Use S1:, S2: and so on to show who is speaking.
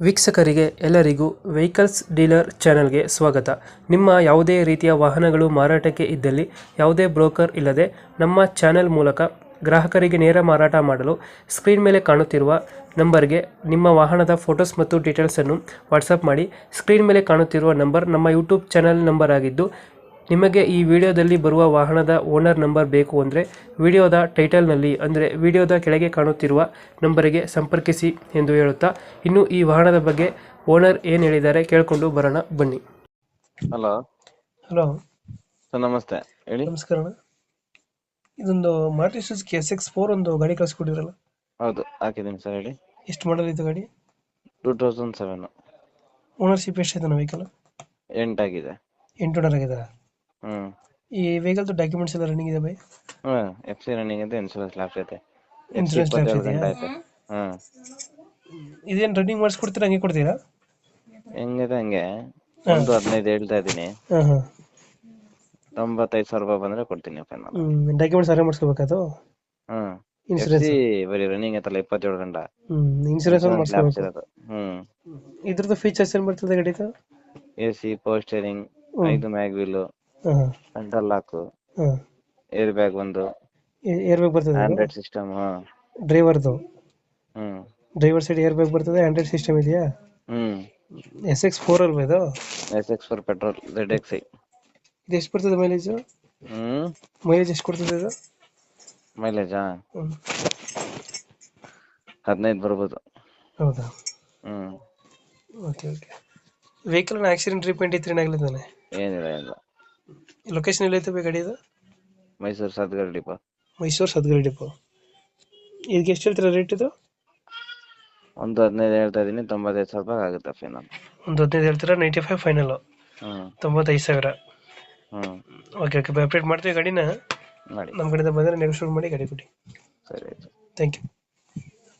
S1: ವೀಕ್ಷಕರಿಗೆ ಎಲ್ಲರಿಗೂ vehicles dealer ಚಾನೆಲ್ಗೆ ಸ್ವಾಗತ. ನಿಮ್ಮ ಯಾವುದೇ ರೀತಿಯ ವಾಹನಗಳು ಮಾರಾಟಕ್ಕೆ ಇದ್ದಲ್ಲಿ ಯಾವುದೇ ಬ್ರೋಕರ್ ಇಲ್ಲದೆ ನಮ್ಮ ಚಾನೆಲ್ ಮೂಲಕ ಗ್ರಾಹಕರಿಗೆ ನೇರ ಮಾರಾಟ ಮಾಡಲು ಸ್ಕ್ರೀನ್ ಮೇಲೆ ಕಾಣುತ್ತಿರುವ ನಂಬರ್ಗೆ ನಿಮ್ಮ ವಾಹನದ ಫೋಟೋಸ್ ಮತ್ತು ಡೀಟೇಲ್ಸನ್ನು ವಾಟ್ಸಪ್ ಮಾಡಿ. ಸ್ಕ್ರೀನ್ ಮೇಲೆ ಕಾಣುತ್ತಿರುವ ನಂಬರ್ ನಮ್ಮ ಯೂಟ್ಯೂಬ್ ಚಾನೆಲ್ ನಂಬರ್ ಆಗಿದ್ದು, ನಿಮಗೆ ಈ ವಿಡಿಯೋದಲ್ಲಿ ಬರುವ ವಾಹನದ ಓನರ್ ನಂಬರ್ ಬೇಕು ಅಂದರೆ ವಿಡಿಯೋದ ಟೈಟಲ್ನಲ್ಲಿ ಅಂದರೆ ವಿಡಿಯೋದ ಕೆಳಗೆ ಕಾಣುತ್ತಿರುವ ನಂಬರಿಗೆ ಸಂಪರ್ಕಿಸಿ ಎಂದು ಹೇಳುತ್ತಾ, ಇನ್ನು ಈ ವಾಹನದ ಬಗ್ಗೆ ಓನರ್ ಏನು ಹೇಳಿದ್ದಾರೆ ಕೇಳಿಕೊಂಡು ಬರೋಣ ಬನ್ನಿ.
S2: ಹಲೋ
S1: ಹಲೋ
S2: ಸರ್, ನಮಸ್ತೆ. ಹೇಳಿ.
S1: ನಮಸ್ಕಾರ ಅಣ್ಣ. ಇದೊಂದು ಮಾರುತಿ ಸುಜುಕಿ SX4 ಒಂದು ಗಾಡಿ ಕಳಿಸ್ಕೊಟ್ಟಿದ್ರಲ್ಲ,
S2: ಹೌದು, ಹಾಕಿದ್ದೀನಿ ಸರ್. ಹೇಳಿ.
S1: ಎಷ್ಟು ಮಾಡಲ್ ಇದು ಗಾಡಿ?
S2: 2007.
S1: ಓನರ್ಶಿಪ್ ಎಷ್ಟಿದೆ ವೆಹಿಕಲ್?
S2: 8 ಆಗಿದೆ.
S1: 8 ಓನರ್ ಆಗಿದ್ದಾರೆ. ಈ ವೆಹಿಕಲ್ ಡಾಕ್ಯುಮೆಂಟ್ಸ್ ಎಲ್ಲ ರನ್ನಿಂಗ್ ಇದೆ ಬೈ?
S2: FC ರನ್ನಿಂಗ್ ಇದೆ, ಇನ್ಶೂರೆನ್ಸ್ ಲ್ಯಾಪ್ಸ್ ಐತೆ.
S1: ಇನ್ಶೂರೆನ್ಸ್ ಲ್ಯಾಪ್ಸ್ ಇದೆಯಾ? ಇದೇನು ರನ್ನಿಂಗ್ ಮಾಡಿಸ್ಕೊಡ್ತೀರಾ ಹಂಗೆ ಕೊಡ್ತೀರಾ?
S2: ಹೆಂಗಿದೆ ಹಂಗೆ. 1.15 ಹೇಳ್ತಾ ಇದ್ದೀನಿ. 95,000 ರೂಪಾಯಿ ಬಂದ್ರೆ ಕೊಡ್ತೀನಿ ಫೈನಲ್.
S1: ಡಾಕ್ಯುಮೆಂಟ್ಸ್ ಅರೇಂಜ್ ಮಾಡಿಸ್ಕೋಬೇಕದು? ಇನ್ಶೂರೆನ್ಸ್
S2: ಬರೀ ರನ್ನಿಂಗ್ ಐತಲ್ಲ 27 ಗಂಟೆ.
S1: ಇನ್ಶೂರೆನ್ಸ್
S2: ಲ್ಯಾಪ್ಸ್
S1: ಮಾಡಿಸ್ಕೋಬೇಕು.
S2: ಇರೋದು.
S1: ಇದ್ರದ್ದು ಫೀಚರ್ಸ್ ಏನು ಬರ್ತದೆ ಗಾಡಿದು?
S2: AC, power steering, 5 mag wheel, central lock, air bag ಒಂದು,
S1: ಏರ್ ಬ್ಯಾಗ್ ಬರ್ತದೆ,
S2: ಆಂಡ್ರಾಯ್ಡ್ ಸಿಸ್ಟಮ್.
S1: ಡ್ರೈವರ್ದು ಡ್ರೈವರ್ ಸೈಡ್ ಏರ್ ಬ್ಯಾಗ್ ಬರ್ತದೆ, ಆಂಡ್ರಾಯ್ಡ್ ಸಿಸ್ಟಮ್ ಇದೆಯಾ? SX4 ಅಲ್ವಾ ಇದು?
S2: SX4 petrol ZXi.
S1: ಇದು ಎಷ್ಟು ಬರ್ತದೆ ಮೈಲೇಜ್? ಮೈಲೇಜ್ ಎಷ್ಟು ಕೊಡ್ತದೆ ಇದು?
S2: ಮೈಲೇಜಾ 15 ಬರ್ಬೋದು.
S1: ಹೌದಾ? Okay okay. Vehicle accident repaint ಇತ್ತು ಏನಾಗಲಿದ್ದಾನೆ?
S2: ಏನಿಲ್ಲ.
S1: ಲೊಕೇಶನ್ ಎಲ್ಲೈತೆ ಗಾಡಿ ಇದು?
S2: ಮೈಸೂರು ಸದ್ಗರ್ ಡಿಪೋ.
S1: ಮೈಸೂರು ಸದ್ಗರಿ ಡಿಪೋ. ಇದಕ್ಕೆ ಎಷ್ಟು ಹೇಳ್ತೀರಾ ರೇಟ್ ಇದು?
S2: 1.15 ಹೇಳ್ತಾ ಇದೀನಿ, 95,000 ರೂಪಾಯಿ ಆಗುತ್ತೆ ಫೈನಲ್.
S1: 15 ಹೇಳ್ತೀರಾ? 95 ಫೈನಲ್. 95,000. ಓಕೆ ಓಕೆ, ಅಪ್ಡೇಟ್ ಮಾಡ್ತೀವಿ ಗಾಡಿನ.
S2: ಮಾಡಿ.
S1: ನಮ್ಮ ಕಡೆಯಿಂದ ಬಂದರೆ ನೆಗೋಷಿಯೇಟ್ ಮಾಡಿ ಗಾಡಿ ಕೊಡಿ.
S2: ಸರಿ ಆಯ್ತು.
S1: Thank you.